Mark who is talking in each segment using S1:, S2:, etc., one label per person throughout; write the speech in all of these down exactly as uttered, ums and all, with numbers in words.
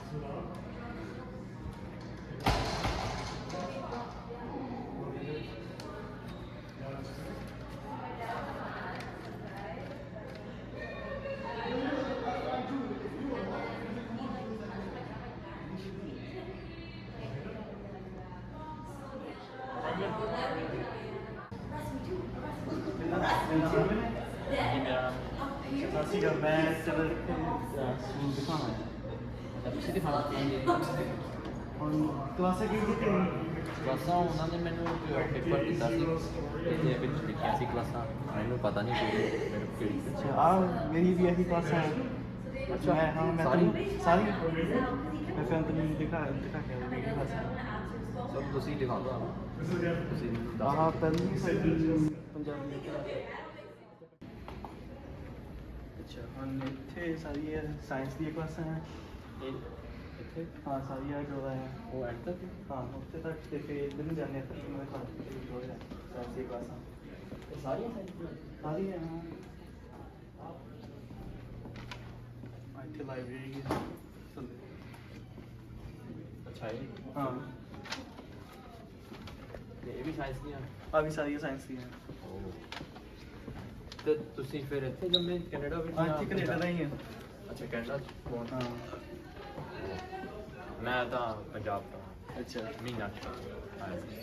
S1: ਅਸੀਂ ਜਦ ਮੈਂ ਚਲ ਸਕੂਲ ਦਿਖਾਣਾ
S2: ਅੱਛਾ ਤੁਸੀਂ ਦਿਖਾਣਾ
S1: ਹੁਣ ਕਲਾਸਾਂ ਕੀ ਕੀਤੀ
S2: ਕਲਾਸਾਂ ਉਹਨਾਂ ਨੇ ਮੈਨੂੰ ਪੇਪਰ ਦਿੱਤਾ ਸੀ ਇਹਦੇ ਵਿੱਚ ਲਿਖਿਆ ਸੀ ਕਲਾਸਾਂ ਮੈਨੂੰ ਪਤਾ ਨਹੀਂ ਕਿ ਮੇਰੇ ਕਿਹੜੀ
S1: ਅੱਛਾ ਆ ਮੇਰੀ ਵੀ ਇਹੀ ਕਲਾਸਾਂ ਹੈ
S2: ਅੱਛਾ
S1: ਮੈਂ ਹਾਂ ਮੈਂ
S2: ਸਾਰੀ
S1: ਤੁਹਾਨੂੰ- ਸਾਰੀ ਮੈਂ ਫਿਰ ਤੁਹਾਨੂੰ ਦਿਖਾ ਦਿਖਾ ਕੇ ਆਉਂਦਾ ਮੇਰੀ ਕਲਾਸਾਂ
S2: ਸਭ ਤੁਸੀਂ ਦਿਖਾ ਦਿਓ ਤੁਸੀਂ
S1: ਆਹ ਪਹਿਲੀ ਸਾਡੀ ਪੰਜਾਬੀ ਦੀ ਕਲਾਸ ਅੱਛਾ ਹੁਣ ਇੱਥੇ ਸਾਰੀਆਂ ਸਾਇੰਸ ਦੀਆਂ ਕਲਾਸਾਂ ਹੈ
S2: ਇੱਥੇ
S1: ਹਾਂ ਸਾਰੀਆਂ ਜੋ ਹੈ
S2: ਉਹ ਐਂਡ ਤੱਕ
S1: ਹਾਂ ਉੱਥੇ ਤੱਕ ਤੇ ਫਿਰ ਇੱਧਰ ਨੂੰ ਜਾਂਦੇ ਫਿਰ ਮੈਂ ਤੁਹਾਨੂੰ ਜੋ ਹੈ ਸਾਇੰਸ ਦੀਆਂ ਕਲਾਸਾਂ
S2: ਇਹ ਸਾਰੀਆਂ ਸਾਈਡ
S1: ਸਾਰੀਆਂ ਹਾਂ ਆਹ ਇੱਥੇ ਲਾਇਬ੍ਰੇਰੀ ਹੈ
S2: ਅੱਛਾ ਇਹ
S1: ਹਾਂ
S2: ਤੇ ਇਹ ਵੀ ਸਾਇੰਸ ਦੀਆਂ
S1: ਆ ਵੀ ਸਾਰੀਆਂ ਸਾਇੰਸ ਦੀਆਂ
S2: ਤੇ ਤੁਸੀਂ ਫਿਰ ਇੱਥੇ ਜੰਮੇ ਕੈਨੇਡਾ ਵਿੱਚ
S1: ਹਾਂ ਇੱਥੇ ਕੈਨੇਡਾ ਦਾ ਹੀ ਹੈ
S2: ਅੱਛਾ ਕੈਨੇਡਾ ਕੌਣ
S1: ਹਾਂ
S2: ਮੈਂ ਤਾਂ ਪੰਜਾਬ ਤੋਂ
S1: ਅੱਛਾ
S2: ਮਹੀਨਾ ਕੁ ਆਇਆ ਸੀ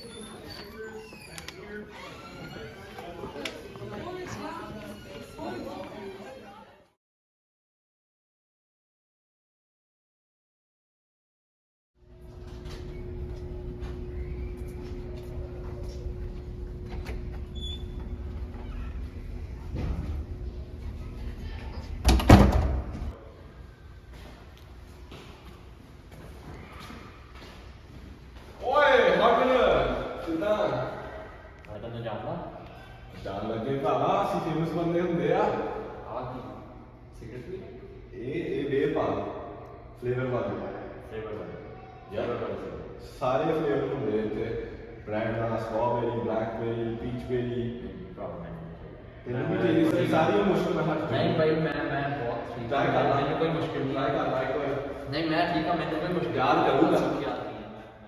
S2: ਮੈਂ ਤਾਂ ਜਾਣਦਾ
S3: ਜਾਣ ਲੱਗੇ ਭਰਾਵਾ ਅਸੀਂ ਫੇਮਸ ਬੰਦੇ ਹੁੰਦੇ ਆ
S2: ਆ ਕੀ ਸਿਕਰਟਰੀ
S3: ਇਹ ਇਹ ਵੇ ਪਾ ਫਲੇਵਰ ਵਾਲੇ
S2: ਫਲੇਵਰ ਵਾਲਾ
S3: ਯਾਰ
S2: ਵਾਲਾ
S3: ਸਾਰੇ ਫਲੇਵਰ ਹੁੰਦੇ ਇੱਥੇ ਬ੍ਰਾਂਡ ਦਾ ਸਟ੍ਰਾਬੇਰੀ ਬਲੈਕਬੇਰੀ ਪੀਚਬੇਰੀ ਤੈਨੂੰ ਵੀ ਚਾਹੀਦੀ ਸੀ ਸਾਰੀਆਂ ਮੁਸ਼ਕਿਲ ਮੈਂ ਹੱਟ
S2: ਨਹੀਂ ਭਾਈ ਮੈਂ ਮੈਂ ਬਹੁਤ ਠੀਕ
S3: ਟਰਾਈ ਕਰ ਲਾ
S2: ਮੈਨੂੰ ਕੋਈ ਮੁਸ਼ਕਿਲ ਨਹੀਂ
S3: ਟਰਾਈ ਕਰ ਲਾ ਇੱਕ ਵਾਰ
S2: ਨਹੀਂ ਮੈਂ ਠੀਕ ਹਾਂ ਮੈਨੂੰ ਕੋਈ ਮੁਸ਼ਕਿਲ
S3: ਯਾਦ ਕਰੂੰਗਾ।
S2: ਯਾਦ ਨਹੀਂ ਹੈ।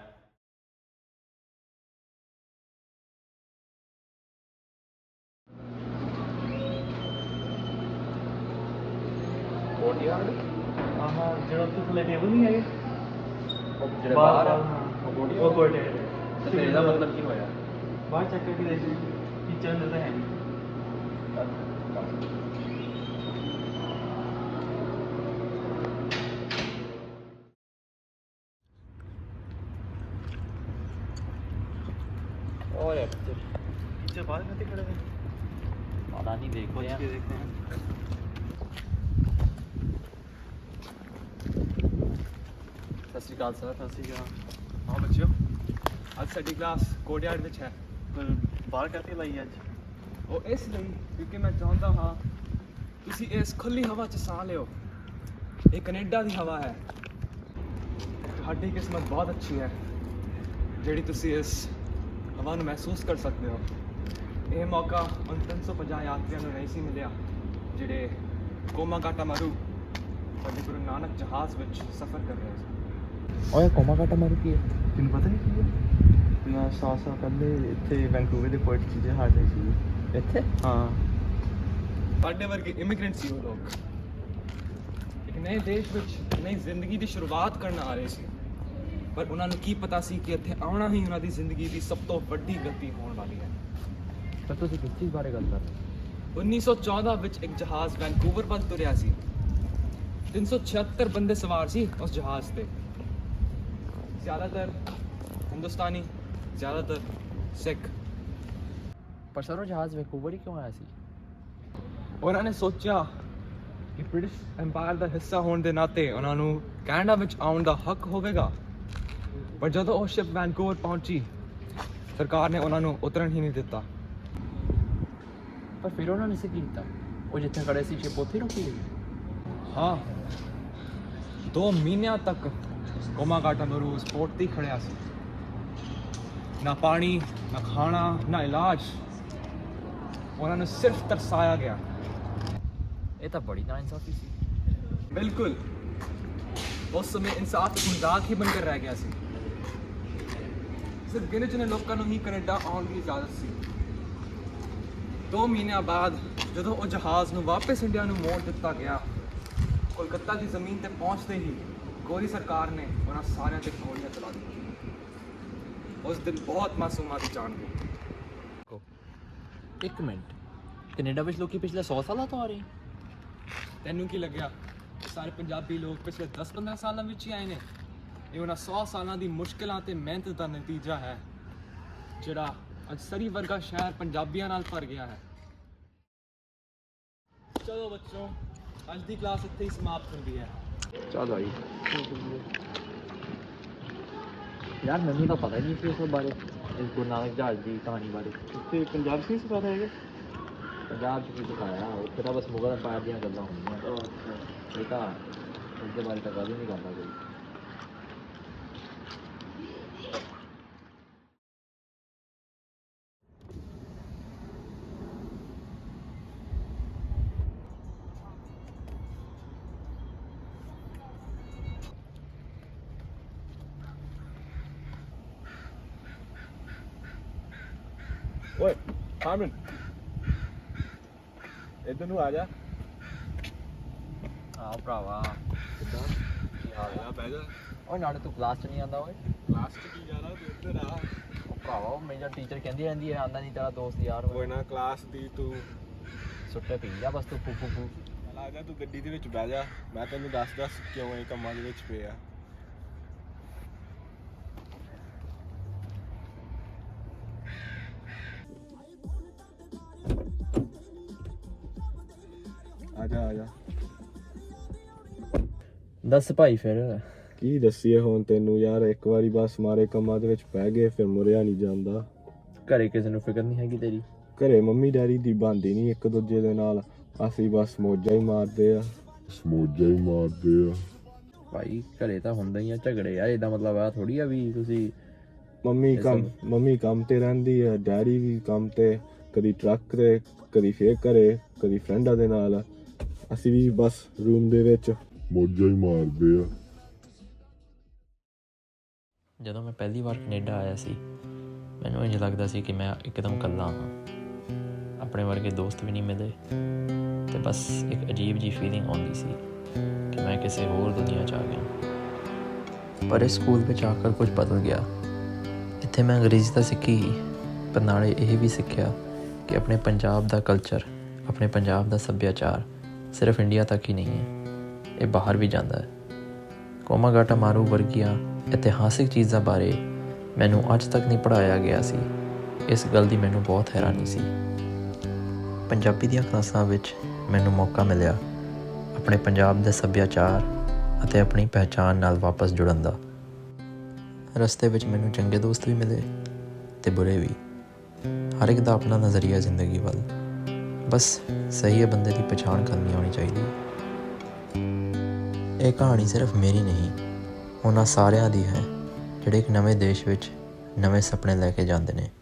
S2: ਕੋਟਿਆੜ
S1: ਆਹ ਜਿਹੜਾ ਉੱਥੇ ਥੱਲੇ ਟੇਬਲ ਨਹੀਂ ਹੈਗੇ
S2: ਉਹ ਜਿਹੜੇ ਬਾਹਰ ਆ
S1: ਉਹ
S2: ਉਹ
S1: ਉਹ ਕੋਟੇ
S2: ਤੇ ਫਿਰ ਇਹਦਾ ਮਤਲਬ ਕੀ ਹੋਇਆ
S1: ਬਾਹਰ ਚੱਕ ਕੇ ਦੇਖ ਟੀਚਰ ਅੰਦਰ ਤਾਂ ਹੈ ਨਹੀਂ
S2: और
S1: ਟੀਚਰ ਬਾਹਰ ਕਿੱਥੇ ਖੜੇ ਨੇ
S2: पता नहीं देखो
S1: ਪੁੱਛ
S2: यार
S1: ਕੇ ਦੇਖਦੇ ਹਾਂ
S2: सत श्रीकाल सर
S1: ਸਤਿ ਸ਼੍ਰੀ ਅਕਾਲ
S4: हाँ बच्चों ਅੱਜ ਸਾਡੀ ਕਲਾਸ ਕੋਟਿਆੜ ਵਿੱਚ ਹੈ
S1: ਪਰ ਬਾਹਰ ਕਾਹਤੇ ਲਾਈ ਅੱਜ
S4: ਉਹ ਇਸ ਲਈ ਕਿਉਂਕਿ ਮੈਂ ਚਾਹੁੰਦਾ ਹਾਂ ਤੁਸੀਂ ਇਸ ਖੁੱਲੀ ਹਵਾ 'ਚ ਸਾਹ ਲਿਓ ਇਹ ਕੈਨੇਡਾ ਦੀ ਹਵਾ ਹੈ ਤੁਹਾਡੀ ਕਿਸਮਤ ਬਹੁਤ ਅੱਛੀ ਹੈ ਜਿਹੜੀ ਤੁਸੀਂ ਇਸ ਹਵਾ ਨੂੰ ਮਹਿਸੂਸ ਕਰ ਸਕਦੇ ਹੋ ਇਹ ਮੌਕਾ ਉਨ ਤਿੰਨ ਸੌ ਪੰਜਾਹ ਯਾਤਰੀਆਂ ਨੂੰ ਨਹੀਂ ਸੀ ਮਿਲਿਆ ਜਿਹੜੇ ਕੋਮਾ ਕਾਟਾ ਮਾਰੂ ਸਾਡੇ ਗੁਰੂ ਨਾਨਕ ਜਹਾਜ਼ ਵਿੱਚ ਸਫ਼ਰ ਕਰ ਰਹੇ ਸੀ
S2: ओए कोमा काटा मारू की
S1: ਤੈਨੂੰ ਪਤਾ ਨਹੀਂ ਕੀ ਹੈ ਮੈਂ ਸੌ ਸਾਲ ਪਹਿਲੇ ਇੱਥੇ ਵੈਂਕੂਵਰ ਦੇ ਪੋਰਟ 'ਚ ਜਹਾਜ਼ ਆਈ ਸੀ
S2: ਇੱਥੇ
S1: ਹਾਂ
S4: ਸਾਡੇ ਵਰਗੇ ਇਮੀਗ੍ਰੈਂਟ ਸੀ ਉਹ ਲੋਕ ਇੱਕ ਨਵੇਂ ਦੇਸ਼ ਵਿੱਚ ਨਈ ਜ਼ਿੰਦਗੀ ਦੀ ਸ਼ੁਰੂਆਤ ਕਰਨ ਆ ਰਹੇ ਸੀ ਪਰ ਉਹਨਾਂ ਨੂੰ ਕੀ ਪਤਾ ਸੀ ਕਿ ਇੱਥੇ ਆਉਣਾ ਹੀ ਉਹਨਾਂ ਦੀ ਜ਼ਿੰਦਗੀ ਦੀ ਸਭ ਤੋਂ ਵੱਡੀ ਗਲਤੀ ਹੋਣ ਵਾਲੀ ਹੈ
S2: ਪਰ ਤੁਸੀਂ ਕਿਸ ਚੀਜ਼ ਬਾਰੇ ਗੱਲ ਕਰ ਰਹੇ
S4: ਉੱਨੀ ਸੌ ਚੌਦਾਂ ਵਿੱਚ ਇੱਕ ਜਹਾਜ਼ ਵੈਨਕੂਵਰ ਵੱਲ ਤੁਰਿਆ ਸੀ ਤਿੰਨ ਸੌ ਛਿਹੱਤਰ ਬੰਦੇ ਸਵਾਰ ਸੀ ਉਸ ਜਹਾਜ਼ ਤੇ ਜ਼ਿਆਦਾਤਰ ਹਿੰਦੁਸਤਾਨੀ ਜ਼ਿਆਦਾਤਰ ਸਿੱਖ
S2: ਪਰ ਸਰ ਉਹ ਜਹਾਜ਼ ਵੈਂਕੂਵਰ ਹੀ ਕਿਉਂ ਆਇਆ ਸੀ
S4: ਉਹਨਾਂ ਨੇ ਸੋਚਿਆ ਕਿ ਬ੍ਰਿਟਿਸ਼ ਐਮਪਾਇਰ ਦਾ ਹਿੱਸਾ ਹੋਣ ਦੇ ਨਾਤੇ ਉਹਨਾਂ ਨੂੰ ਕੈਨੇਡਾ ਵਿੱਚ ਆਉਣ ਦਾ ਹੱਕ ਹੋਵੇਗਾ ਪਰ ਜਦੋਂ ਉਹ ਸ਼ਿਪ ਵੈਨਕੂਵਰ ਪਹੁੰਚੀ ਸਰਕਾਰ ਨੇ ਉਹਨਾਂ ਨੂੰ ਉਤਰਨ ਹੀ ਨਹੀਂ ਦਿੱਤਾ
S2: ਪਰ ਫਿਰ ਉਹਨਾਂ ਨੇ ਸੀ ਕੀ ਕੀਤਾ ਉਹ ਜਿੱਥੇ ਖੜੇ ਸੀ ਸ਼ਿਪ ਉੱਥੇ ਰੁਕੀ ਗਈ
S4: ਹਾਂ ਦੋ ਮਹੀਨਿਆਂ ਤੱਕ ਕੋਮਾ ਕਾਟਾ ਮਰੂ ਸਪੋਰਟ ਤੇ ਹੀ ਖੜਿਆ ਸੀ ਨਾ ਪਾਣੀ ਨਾ ਖਾਣਾ ਨਾ ਇਲਾਜ ਉਹਨਾਂ ਨੂੰ ਸਿਰਫ ਤਰਸਾਇਆ ਗਿਆ
S2: ਇਹ ਤਾਂ ਬੜੀ ਨਾਇਨਸਾਫੀ ਸੀ
S4: ਬਿਲਕੁਲ ਉਸ ਸਮੇਂ ਇਨਸਾਫ ਇੱਕ ਮਜ਼ਾਕ ਹੀ ਬਣकर ਰਹਿ ਗਿਆ ਸੀ। ਸਿਰਫ ਗਿਣੇ ਚੁਣੇ ਲੋਕਾਂ ਨੂੰ ਹੀ ਕੈਨੇਡਾ ਆਉਣ ਦੀ ਇਜਾਜ਼ਤ ਸੀ। ਦੋ ਮਹੀਨਿਆਂ ਬਾਅਦ ਜਦੋਂ ਉਹ ਜਹਾਜ਼ ਨੂੰ ਵਾਪਸ ਇੰਡੀਆ ਨੂੰ ਮੋੜ ਦਿੱਤਾ ਗਿਆ, ਕੋਲਕਾਤਾ ਦੀ ਜ਼ਮੀਨ ਤੇ ਪਹੁੰਚਦੇ ਹੀ ਗੋਰੀ ਸਰਕਾਰ ਨੇ ਉਹਨਾਂ ਸਾਰਿਆਂ ਤੇ ਗੋਲੀਆਂ ਚਲਾ ਦਿੱਤੀਆਂ। ਉਸ ਦਿਨ ਬਹੁਤ ਮਾਸੂਮਾਂ ਦੀ ਜਾਨ ਗਈ।
S2: ਇੱਕ ਮਿੰਟ, ਕੈਨੇਡਾ ਵਿੱਚ ਲੋਕੀ ਪਿਛਲੇ ਸੌ ਸਾਲਾਂ ਤੋਂ ਆ ਰਹੇ?
S4: ਤੈਨੂੰ ਕੀ ਲੱਗਿਆ ਸਾਰੇ ਪੰਜਾਬੀ ਲੋਕ ਪਿਛਲੇ ਦਸ ਪੰਦਰਾਂ ਸਾਲਾਂ ਵਿੱਚ ਹੀ ਆਏ ਨੇ? ਇਹ ਉਹਨਾਂ ਸੌ ਸਾਲਾਂ ਦੀ ਮੁਸ਼ਕਿਲਾਂ ਤੇ ਮਿਹਨਤ ਦਾ ਨਤੀਜਾ ਹੈ ਜਿਹੜਾ ਅੱਜ ਸਰੀ ਵਰਗਾ ਸ਼ਹਿਰ ਪੰਜਾਬੀਆਂ ਨਾਲ ਭਰ ਗਿਆ ਹੈ। ਚਲੋ ਬੱਚੋ, ਅੱਜ ਦੀ ਕਲਾਸ ਇੱਥੇ ਹੀ ਸਮਾਪਤ ਹੁੰਦੀ ਹੈ।
S1: ਚੱਲ ਆਈ
S2: ਯਾਰ ਮੈਨੂੰ ਤਾਂ ਪਤਾ ਹੀ ਨਹੀਂ ਸੀ ਉਸ ਬਾਰੇ, ਇਸ ਗੁਰੂ ਨਾਨਕ ਜਹਾਜ਼ ਦੀ ਕਹਾਣੀ ਬਾਰੇ।
S1: ਇੱਥੇ ਪੰਜਾਬ ਸੀ ਸਿਖਾਉਂਦਾ ਹੈਗਾ?
S2: ਪੰਜਾਬ 'ਚ ਕੀ ਸਿਖਾਇਆ, ਉੱਥੇ ਤਾਂ ਬਸ ਮੁਗਲ ਅੰਪਾਇਰ ਦੀਆਂ ਗੱਲਾਂ ਹੁੰਦੀਆਂ। ਇਹ ਤਾਂ ਉਸਦੇ ਬਾਰੇ ਤਾਂ ਗੱਲ ਹੀ ਨਹੀਂ ਕਰਦਾ ਕੋਈ।
S3: ਓਏ ਹਾਰਮਨ, ਇੱਧਰ ਨੂੰ ਆ ਜਾ।
S2: ਆਹ ਭਰਾਵਾ ਕਿੱਦਾਂ, ਕੀ ਹਾਲ ਆ?
S3: ਬਹਿ ਜਾ।
S2: ਓਏ ਨਾਲੇ ਤੂੰ ਕਲਾਸ 'ਚ ਨਹੀਂ ਆਉਂਦਾ ਓਏ?
S3: ਕਲਾਸ 'ਚ ਕੀ ਜਾਣਾ, ਤੂੰ ਇੱਧਰ ਆ।
S2: ਉਹ ਭਰਾਵਾ ਉਹ ਮੇਰਾ ਟੀਚਰ ਕਹਿੰਦੀ ਰਹਿੰਦੀ ਹੈ ਆਉਂਦਾ ਨਹੀਂ ਤੇਰਾ ਦੋਸਤ ਯਾਰ।
S3: ਕੋਈ ਨਾ ਕਲਾਸ ਦੀ ਤੂੰ
S2: ਸੁੱਟੇ ਪੀ ਜਾ ਬਸ ਤੂੰ ਫੂ ਫੂ ਫੂ।
S3: ਚੱਲ ਆ ਜਾ, ਤੂੰ ਗੱਡੀ ਦੇ ਵਿੱਚ ਬਹਿ ਜਾ, ਮੈਂ ਤੈਨੂੰ ਦੱਸ ਦੱਸ ਕਿਉਂ ਇਹ ਕੰਮਾਂ ਦੇ ਵਿੱਚ ਪਿਆ। ਆ ਜਾ ਆ ਜਾ।
S2: ਦੱਸ ਭਾਈ ਫਿਰ।
S3: ਕੀ ਦੱਸੀਏ ਹੁਣ ਤੈਨੂੰ ਯਾਰ, ਇੱਕ ਵਾਰੀ ਬਸ ਮਾਰੇ ਕੰਮਾਂ ਦੇ ਵਿੱਚ ਪੈ ਗਏ ਫਿਰ ਮੁਰਿਆ ਨਹੀਂ ਜਾਂਦਾ।
S2: ਘਰੇ ਕਿਸੇ ਨੂੰ ਫਿਕਰ ਨਹੀਂ ਹੈਗੀ ਤੇਰੀ?
S3: ਘਰੇ ਮੰਮੀ ਡੈਡੀ ਦੀ ਬਣਦੀ ਨਹੀਂ ਇੱਕ ਦੂਜੇ ਦੇ ਨਾਲ, ਅਸੀਂ ਬਸ ਮੌਜਾਂ ਹੀ ਮਾਰਦੇ ਆ ਮੌਜਾਂ ਹੀ ਮਾਰਦੇ ਆ
S2: ਭਾਈ ਘਰੇ ਤਾਂ ਹੁੰਦਾ ਹੀ ਆ ਝਗੜੇ ਆ, ਇਹਦਾ ਮਤਲਬ ਆ ਥੋੜੀ ਆ ਵੀ ਤੁਸੀਂ।
S3: ਮੰਮੀ ਕੰਮ ਮੰਮੀ ਕੰਮ ਤੇ ਰਹਿੰਦੀ ਆ, ਡੈਡੀ ਵੀ ਕੰਮ ਤੇ, ਕਦੀ ਟਰੱਕ ਤੇ, ਕਦੀ ਫੇਰ ਘਰੇ, ਕਦੀ ਫਰੈਂਡਾਂ ਦੇ ਨਾਲ। ਅਸੀਂ ਵੀ ਬਸ ਰੂਮ ਦੇ ਵਿੱਚ ਮੌਜਾਂ ਹੀ ਮਾਰਦੇ ਆ।
S2: ਜਦੋਂ ਮੈਂ ਪਹਿਲੀ ਵਾਰ ਕੈਨੇਡਾ ਆਇਆ ਸੀ ਮੈਨੂੰ ਇੰਝ ਲੱਗਦਾ ਸੀ ਕਿ ਮੈਂ ਇੱਕਦਮ ਇਕੱਲਾ ਹਾਂ, ਆਪਣੇ ਵਰਗੇ ਦੋਸਤ ਵੀ ਨਹੀਂ ਮਿਲੇ ਤੇ ਬਸ ਇੱਕ ਅਜੀਬ ਜਿਹੀ ਫੀਲਿੰਗ ਆਉਂਦੀ ਸੀ ਕਿ ਮੈਂ ਕਿਸੇ ਹੋਰ ਦੁਨੀਆ 'ਚ ਆ ਗਿਆ। ਪਰ ਇਸ ਸਕੂਲ ਵਿੱਚ ਆ ਕੇ ਕੁਝ ਬਦਲ ਗਿਆ। ਇੱਥੇ ਮੈਂ ਅੰਗਰੇਜ਼ੀ ਤਾਂ ਸਿੱਖੀ ਹੀ, ਪਰ ਨਾਲੇ ਇਹ ਵੀ ਸਿੱਖਿਆ ਕਿ ਆਪਣੇ ਪੰਜਾਬ ਦਾ ਕਲਚਰ, ਆਪਣੇ ਪੰਜਾਬ ਦਾ ਸੱਭਿਆਚਾਰ ਸਿਰਫ ਇੰਡੀਆ ਤੱਕ ਹੀ ਨਹੀਂ ਹੈ, ਇਹ ਬਾਹਰ ਵੀ ਜਾਂਦਾ ਹੈ। ਕੋਮਾਗਾਟਾ ਮਾਰੂ ਵਰਗੀਆਂ ਇਤਿਹਾਸਿਕ ਚੀਜ਼ਾਂ ਬਾਰੇ ਮੈਨੂੰ ਅੱਜ ਤੱਕ ਨਹੀਂ ਪੜ੍ਹਾਇਆ ਗਿਆ ਸੀ। ਇਸ ਗੱਲ ਦੀ ਮੈਨੂੰ ਬਹੁਤ ਹੈਰਾਨੀ ਸੀ। ਪੰਜਾਬੀ ਦੀਆਂ ਕਲਾਸਾਂ ਵਿੱਚ ਮੈਨੂੰ ਮੌਕਾ ਮਿਲਿਆ ਆਪਣੇ ਪੰਜਾਬ ਦੇ ਸੱਭਿਆਚਾਰ ਅਤੇ ਆਪਣੀ ਪਹਿਚਾਣ ਨਾਲ ਵਾਪਸ ਜੁੜਨ ਦਾ। ਰਸਤੇ ਵਿੱਚ ਮੈਨੂੰ ਚੰਗੇ ਦੋਸਤ ਵੀ ਮਿਲੇ ਤੇ ਬੁਰੇ ਵੀ। ਹਰ ਇੱਕ ਦਾ ਆਪਣਾ ਨਜ਼ਰੀਆ ਜ਼ਿੰਦਗੀ ਵੱਲ, ਬਸ ਸਹੀ ਬੰਦੇ ਦੀ ਪਛਾਣ ਕਰਨੀ ਆਉਣੀ ਚਾਹੀਦੀ। ਇਹ ਕਹਾਣੀ ਸਿਰਫ ਮੇਰੀ ਨਹੀਂ, ਉਹਨਾਂ ਸਾਰਿਆਂ ਦੀ ਹੈ ਜਿਹੜੇ ਇੱਕ ਨਵੇਂ ਦੇਸ਼ ਵਿੱਚ ਨਵੇਂ ਸੁਪਨੇ ਲੈ ਕੇ ਜਾਂਦੇ ਨੇ।